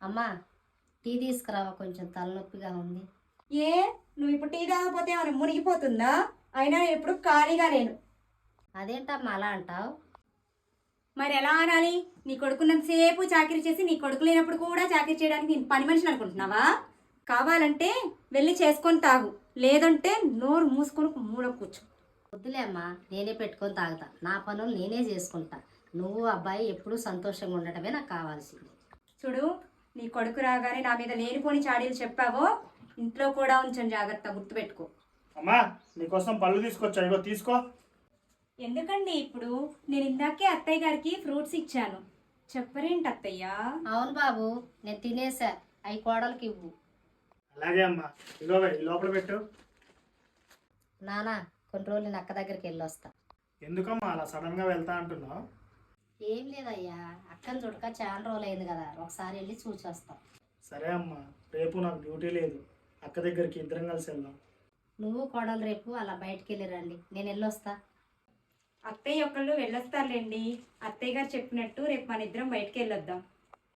అమ్మా టీ తీసుకురావా, కొంచెం తలనొప్పిగా ఉంది. ఏ నువ్వు ఇప్పుడు టీ తాగకపోతే ఏమైనా మునిగిపోతుందా? అయినా నేను ఎప్పుడు ఖాళీగా లేను. అదేంటమ్మా అలా అంటావు? మరి ఎలా అనాలి? నీ కొడుకున్నంతసేపు చాకరీ చేసి నీ కొడుకు లేనప్పుడు కూడా చాకరీ చేయడానికి నేను పని మనిషిని అనుకుంటున్నావా? కావాలంటే వెళ్ళి చేసుకొని తాగు, లేదంటే నోరు మూసుకొని మూల కూర్చో. వద్దులే అమ్మా, నేనే పెట్టుకొని తాగుతా. నా పనులు నేనే చేసుకుంటా. నువ్వు అబ్బాయి ఎప్పుడూ సంతోషంగా ఉండటమే నాకు కావాల్సింది. చూడు, నీ కొడుకు రాగానే నా మీద లేనిపోని చాడీలు చెప్పావో ఇంట్లో కూడా ఉంచని జాగ్రత్త, గుర్తుపెట్టుకో. అమ్మా నీకోసం పళ్ళు తీసుకొచ్చా, ఇగో తీసుకో. ఎందుకండి ఇప్పుడు? నేను ఇందాకే అత్తయ్య గారికి ఫ్రూట్స్ ఇచ్చాను, చెప్పరేంటి అత్తయ్య? అవును బాబు, నేను తినేసా. అవి కోడలికి ఇవ్వు. అలాగే అమ్మా, ఇగో ఈ లోపల పెట్టు. నానా, కొన్ని రోజులు నేను అక్క దగ్గరికి వెళ్ళొస్తా. ఎందుకమ్మా అలా సడన్ గా వెళ్తా అంటున్నావు? ఏం లేదయ్యా, అక్కని చూడక చాలా రోజులు అయింది కదా, ఒకసారి వెళ్ళి చూసి వస్తాం. సరే అమ్మా, రేపు నాకు డ్యూటీ లేదు, అక్క దగ్గరికి ఇద్దరం కలిసి వెళ్దాం. నువ్వు కోడలు రేపు అలా బయటికి వెళ్ళి రండి, నేను వెళ్ళొస్తా. అత్తయ్య ఒకళ్ళు వెళ్ళొస్తారులేండి. అత్తయ్య గారు చెప్పినట్టు రేపు మన ఇద్దరం బయటికి వెళ్ళొద్దాం.